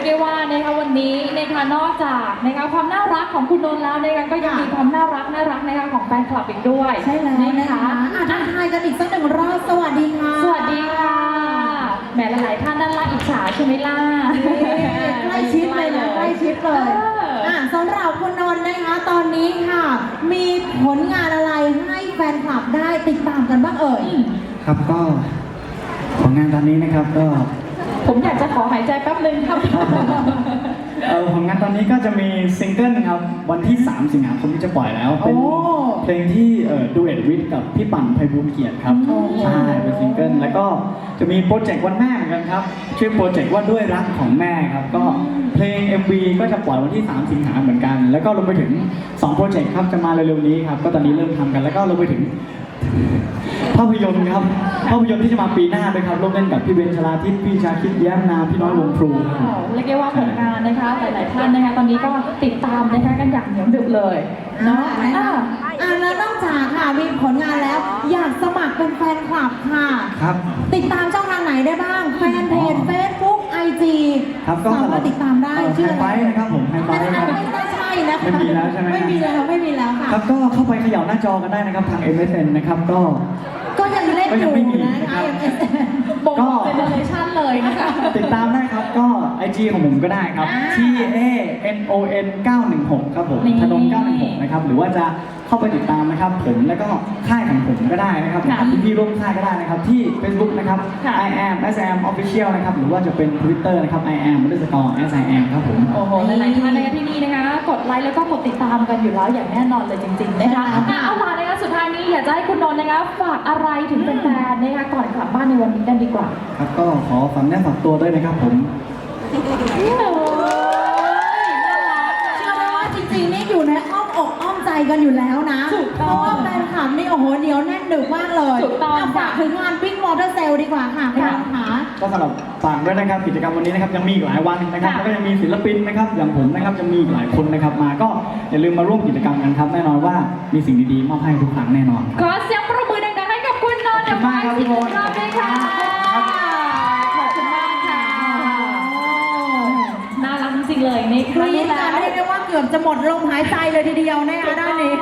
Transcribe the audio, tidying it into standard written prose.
ได้ว่านะคะวันนี้นะคะนอกจากนะคะความน่ารักของคุณนนท์แล้วนะคะก็ยังมีความน่ารักนะคะของแฟนคลับอีกด้วยใช่แล้วนะคะทักทายกันอีกสักหนึ่งรอบสวัสดีค่ะสวัสดีค่ะแหมหลายๆท่านด้านล่างอิจฉาใช่ไหมล่ะใกล้ชิดเลยนะใกล้ชิดเลยสำหรับคุณนนท์นะคะตอนนี้ค่ะมีผลงานอะไรให้แฟนคลับได้ติดตามกันบ้างเอ่ยครับก็ผลงานตอนนี้นะครับก็ผมอยากจะขอหายใจแป๊บนึงครับผลงานตอนนี้ก็จะมีซิงเกิลครับวันที่3 สิงหาคมที่จะปล่อยแล้วเป็นเพลงที่ดูเอทวิทกับพี่ปั่นไพบูลย์เกียรติครับใช่เป็นซิงเกิลแล้วก็จะมีโปรเจกต์วันแม่เหมือนกันครับชื่อโปรเจกต์ว่าด้วยรักของแม่ครับก็เพลง MV ก็จะปล่อยวันที่3 สิงหาเหมือนกันแล้วก็รวมไปถึง2โปรเจกต์ครับจะมาเร็วๆนี้ครับก็ตอนนี้เริ่มทำกันแล้วก็รวมไปถึงภาพยนตร์ครับภาพยนตร์ที่จะมาปีหน้าด้วยครับร่วมเล่นกับพี่เบนชลาทิศพี่ชาคิดแย้มนามพี่น้อยวงพลูเรียกได้ว่าผลงานนะคะหลายๆท่านนะคะตอนนี้ก็ติดตามนะคะกันอย่างเหนียวดึกเลยเนาะแล้วนอกจากค่ะมีผลงานแล้วอยากสมัครเป็นแฟนคลับค่ะครับติดตามช่องทางไหนได้บ้างแฟนเพจ Facebook IG ครับก็สามารถติดตามได้ชื่อไฟนะครับผมไฮไฟไม่ใช่นะคะไม่มีแล้วใช่ไหมไม่มีแล้วค่ะครับก็เข้าไปเขย่าหน้าจอกันได้นะครับทาง MSN นะครับก็ยังเล่นอยู่นะบอกเจเนอเรชั่นเลยนะคะติดตามได้ครับก็ IG ของผมก็ได้ครับ TANON 916ครับผมธนง916นะครับหรือว่าจะเข้าไปติดตามนะครับผมแล้วก็ค่ายของผมก็ได้นะครับพี่ร่วมค่ายก็ได้นะครับที่ Facebook นะครับ I am SM Official นะครับหรือว่าจะเป็น Twitter นะครับ I am _SIM ครับผมโอ้โหหลายๆท่านนะคะที่นี่นะคะกดไลค์แล้วก็กดติดตามกันอยู่แล้วอย่างแน่นอนเลยจริงๆนะคะเอาล่ะนะคะสุดท้ายนี้อยากจะให้คุณนนท์นะคะฝากอะไรถึงแฟนๆนะคะก่อนกลับบ้านในวันนี้กันดีกว่าครับก็ขอฝากแน่ฝากตัวด้วยนะครับผมเชื่อไหมว่าจริงๆนี่อยู่ในอ้อมอกอ้อมใจกันอยู่แล้วนะเพราะว่าแฟนคลับนี่โอ้โหเหนียวแน่นดึกมากเลยฝากถึงงาน Big Motor Sale ดีกว่าค่ะคุณค่ะก็สำหรับฝากด้วยนะครับกิจกรรมวันนี้นะครับยังมีอีกหลายวันนะครับแล้วก็ยังมีศิลปินนะครับอย่างผมนะครับจะมีอีกหลายคนนะครับมาก็อย่าลืมมาร่วมกิจกรรมกันครับแน่นอนว่ามีสิ่งดีๆมอบให้ทุกครั้งแน่นอนขอเสียงปรบมือดังๆให้กับคุณนนท์มากครับพี่โมดขอบคุณค่ะขอบคุณมากค่ะน่ารักจริงๆเลยในครั้งนี้แล้วเรียกได้ว่าเกือบจะหมดลมหายใจเลยทีเดียวนะคะด้านนี้